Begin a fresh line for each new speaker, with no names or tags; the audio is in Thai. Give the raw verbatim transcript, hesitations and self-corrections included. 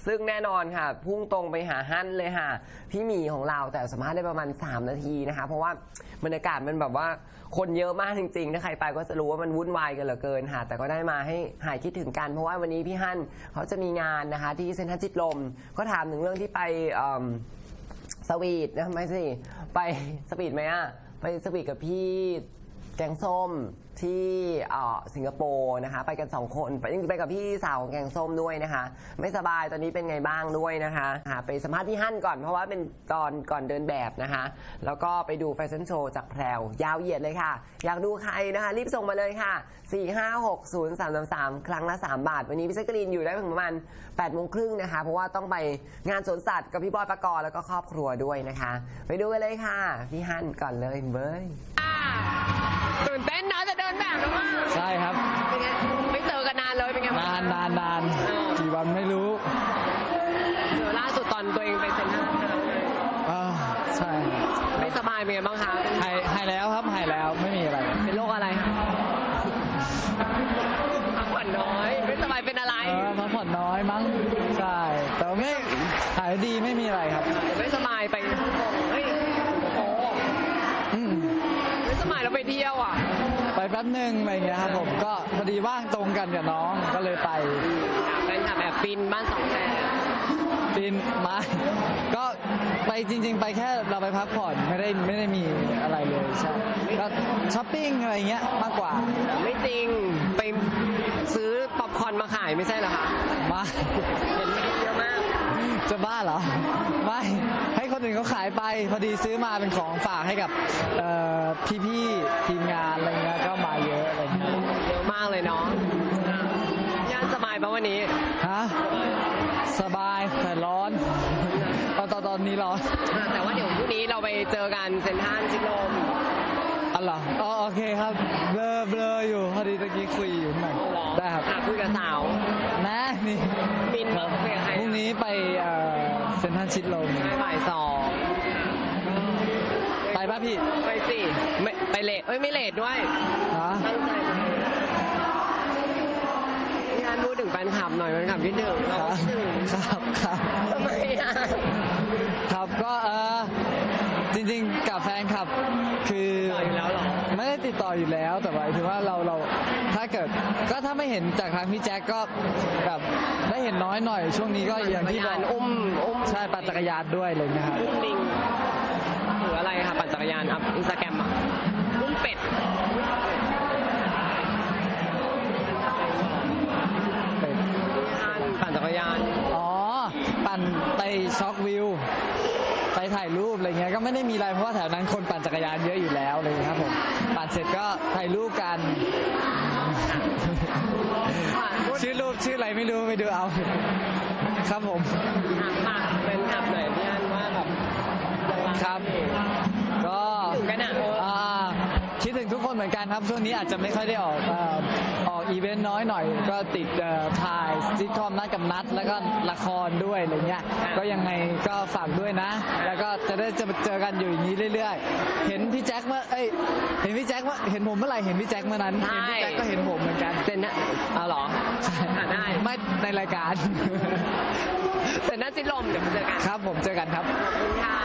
ซึ่งแน่นอนค่ะพุ่งตรงไปหาฮั่นเลยค่ะพี่หมีของเราแต่สัมภาษณ์ได้ประมาณสามนาทีนะคะเพราะว่าบรรยากาศมันแบบว่าคนเยอะมากจริงๆถ้าใครไปก็จะรู้ว่ามันวุ่นวายกันเหลือเกินค่ะแต่ก็ได้มาให้หายคิดถึงกันเพราะว่าวันนี้พี่ฮั่นเขาจะมีงานนะคะที่เซ็นทรัลชิดลมก็ถามถึงเรื่องที่ไปสวีทนะไม่สิไปสวีทไหมอะไปสวีทกับพี่แกงส้มที่สิงคโปร์นะคะไปกันสองคนไปไปกับพี่สาวของแกงส้มด้วยนะคะไม่สบายตอนนี้เป็นไงบ้างด้วยนะคะไปสัมภาษณ์ที่ฮั่นก่อนเพราะว่าเป็นตอนก่อนเดินแบบนะคะแล้วก็ไปดูแฟชั่นโชว์จากแพรวยาวเหยียดเลยค่ะอยากดูใครนะคะรีบส่งมาเลยค่ะสี่ ห้า หก ศูนย์ สาม สาม สามครั้งละสามบาทวันนี้พี่แจ๊กกะรีนอยู่ได้ถึงประมาณแปดโมงครึ่งนะคะเพราะว่าต้องไปงานสวนสัตว์กับพี่บอยปกรณ์แล้วก็ครอบครัวด้วยนะคะไปดูกันเลยค่ะพี่ฮั่นก่อนเลยเบ้ยตื่นเต้นนะจะเดินแบบแล้วมั้ง
ใช่ครับ
เป็นไงไม่เจอกันนานเลยเป็นไง
นานนานนานกี่วันไม่รู้
เจอล่าสุดตอนตัวเองไปเซ็นทรัล
อ่าใช่
ไม่สบายเป็นไงบ้างคะ
หายหายแล้วครับหายแล้วไม่มีอะไร
เป็นโรคอะไรพักผ่อนน้อยไม่สบายเป็นอะไร
พักผ่อนน้อยมั้งใช่แต่ไม่หายดีไม่มีอะไรครับ
ไม่สบายไปเฮ้ยโอ้ไม่สบายเราไปเที่ยวอ่ะ
ไปแป๊บนึงอะไรเงี้ยครับผมก็พอดีว่างตรงกันกับน้องก็เลยไป
เป็นแบบแบบปีนบ้านสองแฉก
ปีนมาก็ไปจริงๆไปแค่เราไปพักผ่อนไม่ได้ไม่ได้มีอะไรเลยใช่ก็ช้อปปิ้งอะไรเงี้ยมากกว่า
ไม่จริงไปซื้อป๊อปคอร์นมาขายไม่ใช่เหรอคะ
มา
เห็นเยอะมาก
จะบ้าเหรอไม่ให้คนอื่นเขาขายไปพอดีซื้อมาเป็นของฝากให้กับพี่ๆทีมงานอะไรเงี้ยก็มาเยอะอะไรเงี้ย
เยอะมากเลยเนาะย่านสบายปะวันนี้
ฮะสบายแต่ร้อนตอนตอนนี้ร้อน
แต่ว่าเดี๋ยวพรุ่งนี้เราไปเจอกันเซ็นทรัลชิดลม
อ๋อเหรออ๋อโอเคครับเบลอเบลออยู่พอดีตะกี้คุยอยู่หน่อยได้ครับ
คุยกับสาว
นะนี่
บินมาคุยกับใคร
พรุ่งนี้ไปเซ็นทรัลชิดลม
บ่ายสอง
ไปป่ะพี่
ไปสิไม่ไปเลทเอ้ยไม่เลทด้วยตั้งใจงานพูดถึงแฟนคลับหน่อยแฟนคลับที่หนึ่งเราถึง
ครับครับ
ทำไมอ่ะ
ครับก็เออจริงๆกับแฟนคลับคือไม่ได้ติดต่ออยู่แล้วแต่ว่าถือว่าเราเราถ้าเกิดก็ถ้าไม่เห็นจากทางพี่แจ็คก็แบบได้เห็นน้อยหน่อยช่วงนี้ก็อย่างที่บอก
อุ้มอุ้ม
ใช่ปั่นจักรยานด้วยเลยนะครับ
อุ้มลิงหรืออะไรคะปั่นจักรยานอัพอินสตาแกรมอ่ะอุ้มเป็ดปั่นจักรยาน
อ๋อปั่นไปช็อกวิวไปถ่ายรูปอะไรเงี้ยก็ไม่ได้มีอะไรเพราะว่าแถวนั้นคนปั่นจักรยานเยอะอยู่แล้วเลยครับผมปั่นเสร็จก็ถ่ายรูปกันชื่อรูปชื่ออะไรไม่รู้ไปดูเอาครับผม
ฝากเป็นขับหน่อยพี่อันว่าแบบ
ครับก็คิดถึงทุกคนเหมือนกันครับช่วงนี้อาจจะไม่ค่อยได้ออกออกอีเวนต์น้อยหน่อยก็ติดถ่ายซิทคอมนัดกับนัดแล้วก็ละครด้วยอะไรเงี้ยก็ยังไงก็ฝากด้วยนะแล้วก็จะได้จะเจอกันอยู่อย่างนี้เรื่อยๆเห็นพี่แจ็คเมื่อเอ้ยเห็นพี่แจ็คว่าเห็นผมเมื่อไหร่เห็นพี่แจ็คเมื่อนั้นเห็นพี่แจ็คก็เห็นผมเหมือนกัน
เซ็นนะเอาหรอ
ใช่
ได้
ไม่ในรายการ
เซ็นน่าจิตลมเดี๋ยวเจอกัน
ครับผมเจอกันครับ
ขอบคุณค่ะ